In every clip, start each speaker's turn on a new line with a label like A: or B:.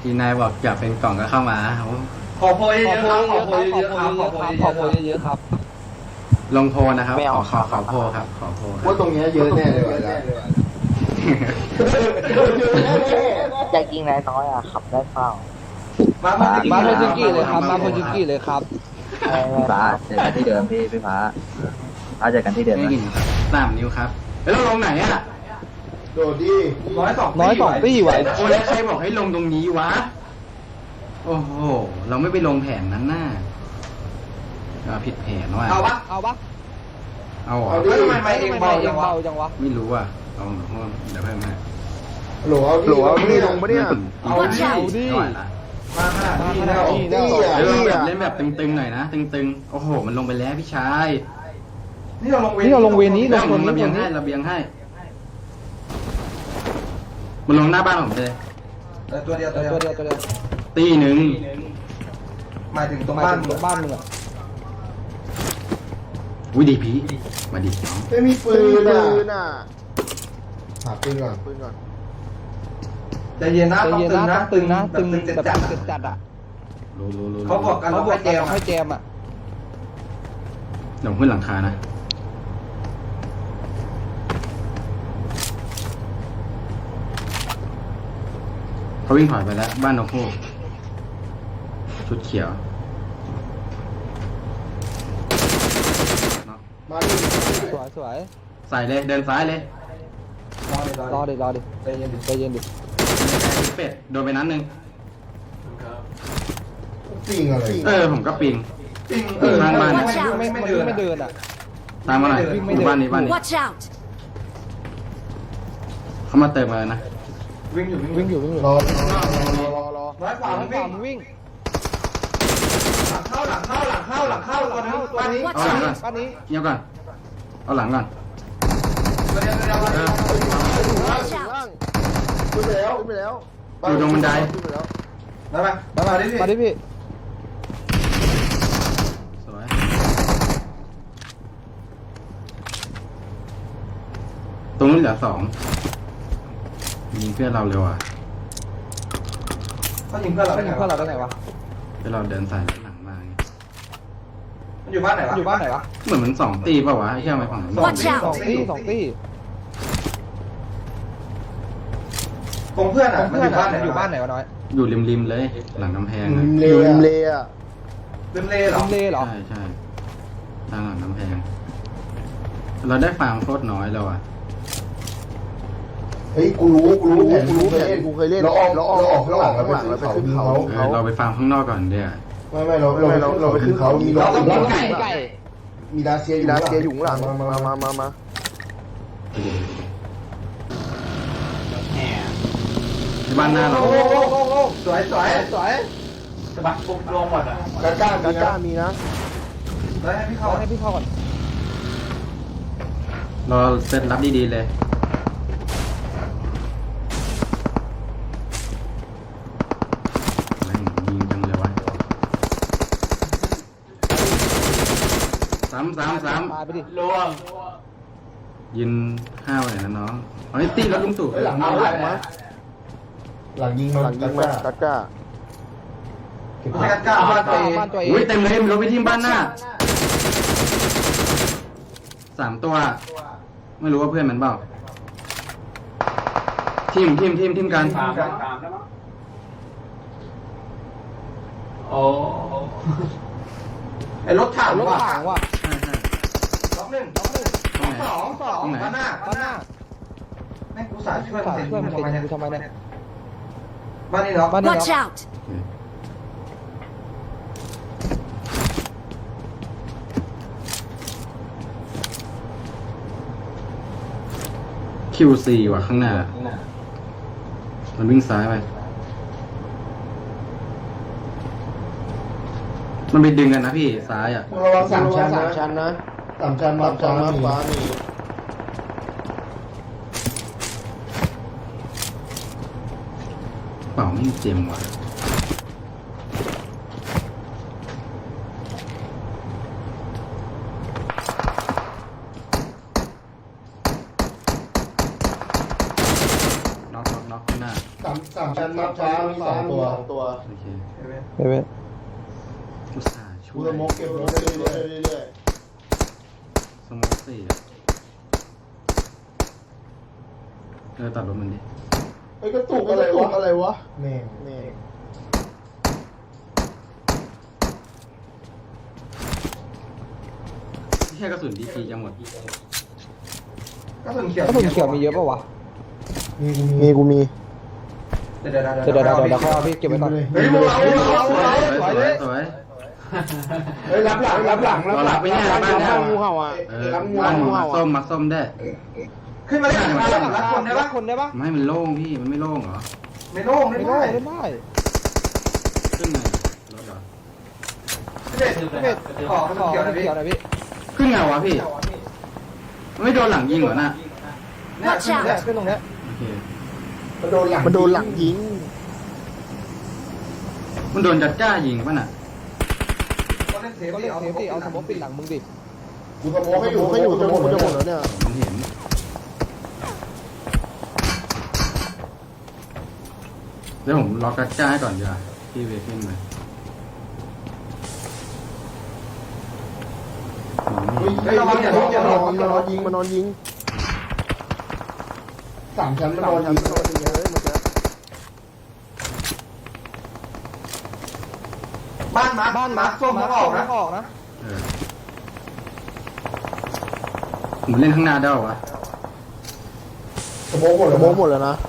A: ทีนายบอกอยากเป็นกล่องก็เข้ามาโอ้
B: ขอโพยเยอะๆครับขอโพยเยอะๆครับขอโพยเยอะๆครับ
A: ลงโพลนะครับขอโพลครับขอโพลครั
C: ว่า
A: บ
C: ตรงเนี้ยเยอะแน่เลยว่ะ
D: อยากยิงนายน้อยอ่ะขับได้เปล่า
B: มาโพจิกี้เลยครับมาโพจิกี้เลยครับ
E: พี่ฟ้าเจอกันที่เดิมพี่ฟ้าเจอกันที่เดิม
A: ไม่
E: นะ
A: กินครับ3 นิ้วครับแล้วเราลงไหนอ่ะ
C: โดดดิ
B: น้อยสองตี้ไหว
A: โอ้แล้วใครบอกให้ลงตรงนี้วะโอ้โหเราไม่ไปลงแผนนั้นน่ะผิดแผนว่ะ
B: เอาปะ
A: เอาเหรอ
B: แล้วทำไมไม่เองเบาจังวะ
A: ไม่รู้อ่ะเอาเดี๋ยวเพิ่มให้
C: โหลเอาดิลงมาเนี่ย
B: เอาดิ
A: ไม่ไหวละ
B: มาขนาดนี้แล้ว
A: เล่นแบบตึงๆหน่อยนะตึงๆโอ้โหมันลงไปแล้วพี่ชาย
B: นี่เราลงเวรนี้
A: ลงระเบียงให้มันลงหน้าบ้านผมเลย
B: ตัวเดียว
A: ตีหนึ่ง
B: หมายถึงตรงบ้านมึงอ่ะ
A: วิดีพีมาดิน้อง
C: ไม่มีปืนอ่ะหาปืนก่อน
B: ใจเย็นนะต้องตึงนะตึงแบบจัดอ่ะ
A: รู้
B: เขาบอกกันให้แจมอ่ะ
A: เดี๋ยวขึ้นหลังคานะเขาวิ่งถอยไปแล้วบ้านนกฮูกชุดเขียว
C: มาดิ
B: สวย
A: ใส่เลยเดินซ้ายเลย
B: รอดิใจเย็นดิ
A: เป็ดโดนไปนัดหนึ่ง
C: ปิงอะไร
A: ผมก็ปิงทางบ้าน
B: ไม่เดินอ่ะ
A: ตามมาหน่อยอยู่บ้านนี้
F: Watch out!
A: เขามาเติมมาแล้วนะ
B: วิ่งอยู่
C: รอ
B: น้อยกว่ามึงวิ่งหลังเข้าตัวนึงบ้านนี้
A: เอาหลังก่อน
B: บ้านนี้
A: เงียบก่อนเอาหลังก่อน
B: ตัวเดียว
F: Watch out!
C: ขึ้นไปแล้ว
A: อยู่ตรงบันได
B: มาดิพี่
A: สวยตรงนี้เหลือ2ยิงเพื่อนเราเร็วอ่ะ
B: เขายิงเพื่อนเราได้ไงวะ
A: เพื่อนเราเดินสายหลังมาไง
B: มันอยู่บ้านไหนวะ
A: เหมือนมัน2 ตีเปล่าวะไอ้เชี่ยทำไมฝั่งนั้น
F: Watch out
B: สองตี้ตรงเพื่อนอ่ะมันอยู่บ้านไหนวะน้อย
A: อยู่ริมๆเลยหลังกำแพง
C: อยู่ริมเลอ่ะ
B: ริมเลเหรอ
A: ใช่ทางหลังกำแพงเราได้ฟาร์มโคตรน้อยแล้วอ่ะ
C: เฮ้ยกูรู้แผนกูเคยเล่นเราออกข้างหลังเราไปขึ้นเขา
A: เราไปฟาร์มข้างนอกก่อนเดี๋ยว
C: ไม่เราไปขึ้นเขามีรถ
B: ไก่
C: มีดาเซียอยู่ข้างหลังมา
A: ที่บ้านหน้าเรา
B: สวยสะบัดปุ๊บลงหมดอ่ะ
C: กล้ามีนะ
B: แล้วให้พี่เข้าก่อน
A: เราเซตรับดีๆเลยแม่งยิงจังเลยวะซ้ำ
B: ตายไปดิ
A: ยิน5เลยนะน้องเอาไอ้ตีแล้วลุงตู่
C: หลังยิงมันกล้า
B: ไม่กันกล้าบ้านตัวเอง
A: อุ้ยเต็มเลยรถไปทีมบ้านหน้า3 ตัว ไม่รู้ว่าเพื่อนมันเปล่าทีมกัน
B: โอ้ไอรถถังว่ะ
A: ใช่
B: ล็อกหนึ่งสองบ้านหน้าแม่งกูสายช่วยมึงทำไมเนี่ยบ้านนี้เนาะ
F: Watch out!
A: คิวซีว่ะข้างหน้า มันวิ่งซ้ายไปมันไปดึงกันนะพี่ซ้ายอ่ะ
C: ระวัง3 ชั้นนะ3 ชั้นมาฟ้ามี
A: เปล่าไม่เจ็มว่ะ น็อกข้างหน้า
C: 3 ชั้นมาฟ้ามีสองตัว
A: โอเค
B: เว้ย
A: อุตส่าห์ช่
C: กู
A: วย
C: สโมกเก็บรถเรื่อย
A: สโมกสี่อะตัดรถมันดิ
C: ๆไอ้กระตุกอะไรวะนี่
A: แค่กระสุนดีจีจะหมด
B: ก็ส่วนเขียว
G: กระสุนเขียวมีเยอะป่าวะ
C: มีกูมี
B: เดี๋ยว
G: เขาเอาพี่เก็บไว้ก่อน
B: เฮ้ยมึงเอา
A: สวย
C: เฮ้ยรับหลัง
A: เรารับไปเนี่ยบ้านเนี่ย
C: งูเห่าอ่ะ
A: บ้านมักส้มได้
B: ขึ้นมาได้มาแล้วรับคนได้ปะ
G: คนได้ปะ
A: ไม่มันโล่งพี่มันไม่โล่งเหรอ
B: ไม่โล่ง
G: ไม่
B: ไม่
G: ได้
B: ได้
G: ไม่ได้
A: ขึ้นไงรถเหรอ
B: เด็ด
G: เม็ด
B: ขอ
G: ขอ
B: เขียว
G: เขียวหน่อยพี่
A: ขึ้นไงวะพี่ไม่โดนหลังยิงเหรอน่ะ
B: เนี่ยขึ้น
G: เนี่ยขึ้นตรงเนี้ย
A: โอเค
C: มันโดนหลังยิง
A: มันโดนจัดจ้ายิงป่ะน่ะ
B: ก็เล่นเซฟ
G: ก็เล่นเซฟดิเอาสมมติปิดหลังมึงดิ
C: กูสโมกให้อยู่จะหมดแล้วเนี่ย
A: มันเห็นเดี๋ยวผมล็อกจัดจ้าให้ก่อนดีกว่าพี่เวฟินเลย
C: มันนอนยิงสามชั้นมันนอนยิงเลยมันจะ
B: บ้านมาส้มเขาออกนะ
G: ออกนะ
A: ผมเล่นข้างหน้าได้ป่าวะ
C: สโมกหมดแล้วนะ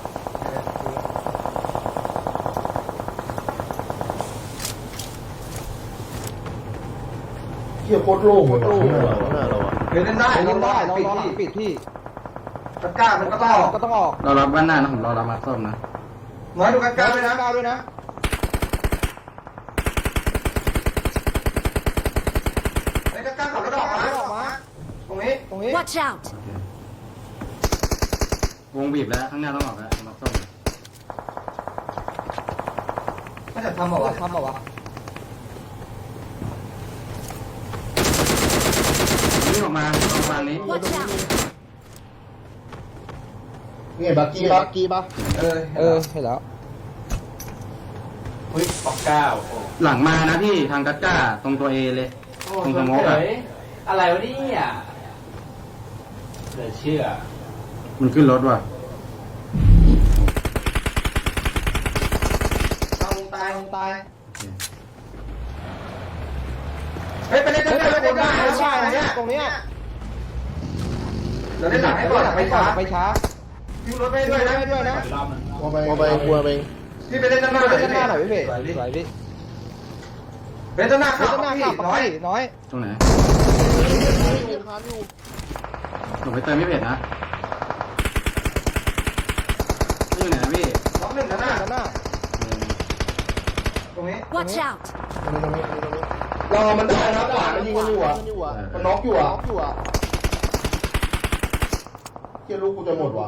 C: เฮียโคตรโล่งหน้าเราอะ
B: เล่นได้
G: เล่นได้
B: ปิด
G: ลอง
B: ที่
G: ปิดที่
B: ตะก้ามันก็ต้องออก
G: ก็ต้องออก
A: เรารับบ้านหน้านะผมรอรับมักส้มนะ
B: น้อยดูตะก้าด้วยนะ
G: ก้าวด้วยนะ
B: ไอ้ตะก้าขับรถออกมาตรงนี้
G: ตรงนี้
F: Watch out!
A: โอเควงบีบแล้วข้างหน้าต้องออกแล้วมักส้ม
B: ถ้าจะทำบอกว่า
G: ทำเปล่าวะ
A: นี่ออกมาตรงทางนี้
F: Watch out!
C: เนี่ยบักกี้ปะ
G: เห็นแล้ว
B: เฮ้ยปอกก้าว
A: หลังมานะพี่ทางกัดก้าตรงตัวเอเลย ตรงสโมกอะ
H: อะไรวะเนี่ยเหลือเชื่อ
A: มันขึ้นรถว่ะ
B: ตาย
A: โอเค
B: เฮ้ยไปเล่นได้เนี่ย
G: ตรงเนี้ย
B: เดี๋ยวเล่นหลังให้ก่อนไปช้า
G: ไปช้า
B: ยิงรถไปด้วยนะ
G: ด้วยนะ
H: รอบนึง
C: กลัวไปกลัวไป
B: พี่ไปเล่นด้านหน้า
G: เล่นหน้าหน่อยพี่เพ่สวยพี่
B: เล่นด้านหน้า
G: เล่
B: ขับ
G: นหน้า
B: พี่
G: ขับ
B: น้อย
G: น้อย
A: ตรงไหนผมไปเติมไม่เผ็ดนะนี่อยู่ไหนนะพี่
B: น้องหนึ่งด้านหน้า
G: ด้านหน้า
B: ตรงนี้
F: Watch out!
C: รอมันได้นะขวามันยิงกันอยู่อ่ะมันน็อกอยู่อ่ะเฮียลูกกูจะหมดวะ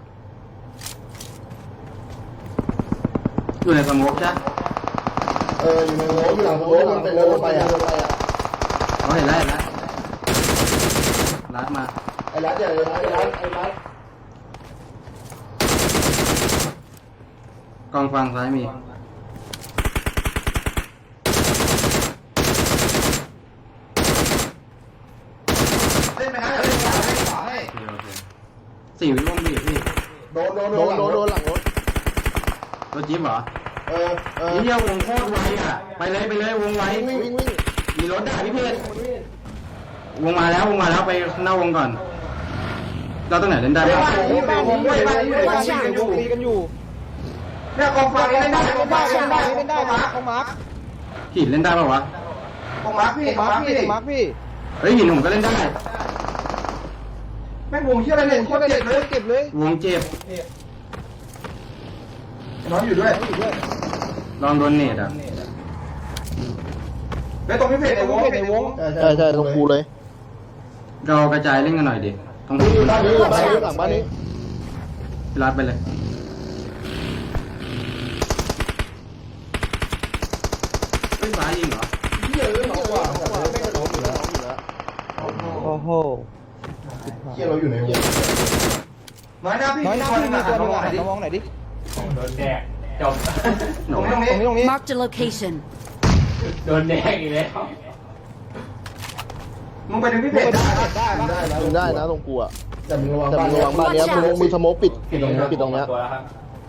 A: อยู่ในสโมกใช่
C: อยู่ในโลอยู่หลังโลมันเป็นโลไปอ่ะ
A: เขาเห็นแล้วรัดมา
C: ไอ้รัดใหญ่เลยไอ้รัด
A: กองฟังซ้ายมี
B: เล่นไปนะเล่นขวาให้
A: โอเค4 วิวงบีบพี่
C: โดนหลังรถ
A: รถจิ๊บเหรอ
C: เออ
A: นี่เดียววงโคตรไวอ่ะไปเลยวงไว
C: วิ่ง
A: มีรถด่าพี่เพชรวงมาแล้วไปหน้าวงก่อน เราตรงไหนเล่นได้บ้าง
G: บ้านนี้บ้านนี้ตีกันอยู่
B: เนี่ยกองฟ้าเล่นได้กองฟ้าเล่นได้
G: เล่นได้ของมาร์ค
A: หินเล่นได้ป่าวะ
B: กองมาร์คพี่กองมาร์คพี่
G: มาร์คพี่
A: เฮ้ยหินผมก็เล่นได้
B: แม่งวงเชื่ออะไรเนี่ยโคตรเจ็บเลย
G: เก็บเลย
A: วงเจ็บ
B: น้องอยู่ด้วย
A: ลองโดนเนตอ่ะ
B: แล้วตรงพี่เพจในวง
G: ในวง
C: ใช่ตรงกูเลย
A: เรากระจายเล่นกันหน่อยดิต้อง
C: บ้านนี้หลังบ้านนี้
A: พี่รัดไปเลยเฮ้ยฟ้ายิงเหรอ
C: เฮียน้องกว่าไม่กระโดดอยู่แล้ว
G: โอ้โห
C: เฮียเราอยู่ในวง
B: น้อยหน้าพี่
G: น้อยหน้าพี่มีตัวนึงอ่ะ
B: ดิ
G: มองไหนดิ
H: โดนแดกจบ
A: ห
B: ต
A: นู
B: รงนี้ตรงนี้
G: ตรงนี้
F: Marked a location.
H: โดนแดงอีกแล้ว
B: มึงไปดึงพี่เพชรได้
G: ได้ปะ
C: ได้นะ
F: มึงได้นะตรงกูอะ
C: แต่มึงระวัง
F: แต่
C: บ้าน
F: มึงระวังบ้านเนี้ยมึงสโมกปิดตรงเนี้ย
H: ตัวแล้วครับ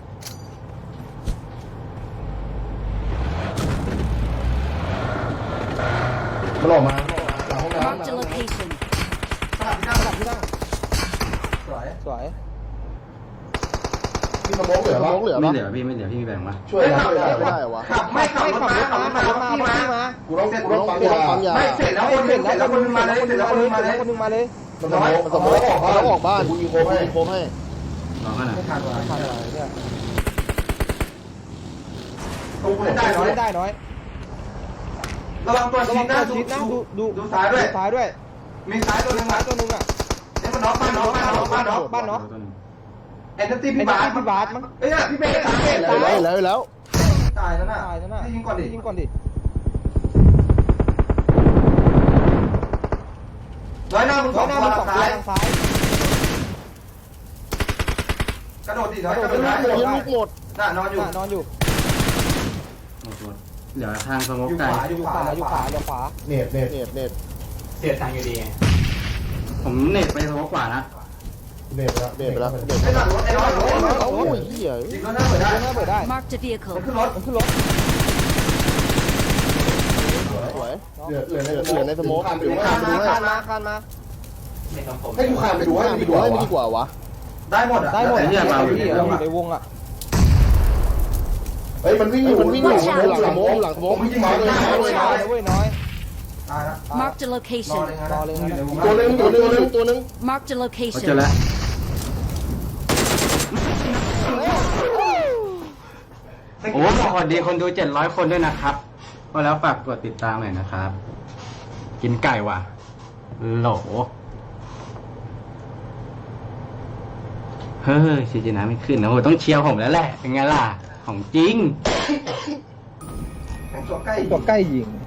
C: มันออกมาหลังห้องน้ำ
F: Marked a location.
B: สลับที่นั่ง
G: สลับที่นั่ง
B: สวย
G: สวย
C: มีสโมองเหลือ
F: ส
C: ปะ
F: โมกเหลือ
A: ไม่
F: ปะ
A: เหลือพี่ไม่เหลือพี่มีแบ่งมา
C: ช่วยนะช่วยนะ
F: ไม่ได้เหรอวะ
B: ขับไม่ขับรถมาขับรถมาพี่มา
C: กูต้องปั๊มยา
B: ไม่เสร็จแล้วคนนึงเสร็จแล้วคนนึงมาเลยเสร็จแล้วคนนึงมาเลย
G: คนนึงมาเลย
C: มันสโมอง
F: มันต้องออกบ้าน
C: กูยิงโค้งให้
F: โค้งให้
A: รอขนาด
B: ไม่ทันว่ะ
G: ผ่านมาเนี่ย
B: ตรงกูได้น้อย
G: ได้น้อย
B: ระวังตัว
G: ระ
B: ชิ
G: วั
B: ด
G: ง
B: นะ
G: ตัวชิดนะดู
B: ดูซ้ายด้วย
G: ซ้ายด้วย
B: มีซ้ายตัวนึง
G: ซ้า
B: มา
G: ยตัวนึงอ่ะ
B: เนี่ยมันน็อกบ้านน็อกบ้านน็อกบ้านน็อก
G: บ้านเนาะ
B: เอ็นตี้
G: ไอ้
B: พี่
G: บ้า
B: บาส
G: พี่บาสมั้ง
B: เอ้ยพี่เมย์ตาย
F: ตายแล้ว
B: ตายแล้วน่ะ
G: ตายแล้วน่ะ
B: ยิงก่อนดิ
G: ยิงก่อนดิ
B: ร้อยหน้ามึงส
G: ซ้า
B: อย ง
G: หน้า
B: ตัว
G: มันสองตัว
B: ซ้าย
G: ทางซ้าย
B: กระโดดดิร้อยกระโดด
F: ยิ
B: ได้
F: งลูกหมด
B: น่ะนอนอยู่
G: นอนอยู่
A: เหลือทางสโมก
B: อยู่
A: ไกล
B: ขวาอยู่
G: อยู่
B: ข
G: ข
B: วาว
G: าอยู่ขวาอยู่ขวา
C: เน็ต
F: เน็ต
H: เสียตังค์อยู่ดีไง
A: ผมเน็ตไปสโมกขวานะ
C: เน็ตแล้ว
F: เน็ตไปแล้ว
B: ไอ้หลังรถไอ้ร้อย
F: โอ้ยเหี้ย
B: ยิงรถหน้าเปิดได้
G: หน้าเปิดได้
F: Marked a
B: มัน
F: vehicle.
B: ขึ้นรถ
G: มันขึ้นรถ
F: สวย
C: เหลือในสโมอง
G: คานมาคานมา
H: ไม่ต้องผม
C: ให้กูคานไปดูให้
F: ไป
C: ไป
F: ดู
C: ดู
F: ให้
C: ให้
F: ไม่
C: ไม่
F: ดี
C: ดี
F: ก
C: กว่า
F: ว่าวะ
B: ได้หมดอ่ะ
G: ได้หมด
B: แต่
G: อยู่ในวงอ่ะ
C: เฮ้ยมันวิ่งอยู่
F: มันวิ่งอยู่หลังสโมกหลังสโมก
C: ผมยิงมาเลย
G: น้อยเว้ยน้อย
B: ตายละ
F: Marked a
B: รอ
F: location.
B: เลยนะ
C: ตัวนึง
F: Marked a
A: เขา
F: location.
A: เจอแล้ว โอ้สวัสดีคนดู700 คนด้วยนะครับก็แล้วฝากกดติดตามหน่อยนะครับ กินไก่ว่ะโหลเฮ้ยชีจินะไม่ขึ้นนะโหต้องเชียร์ผมแล้วแหละ เป็นไงล่ะ ของจริง
B: แข่งตัวใกล้
G: ตัวใกล้ยิง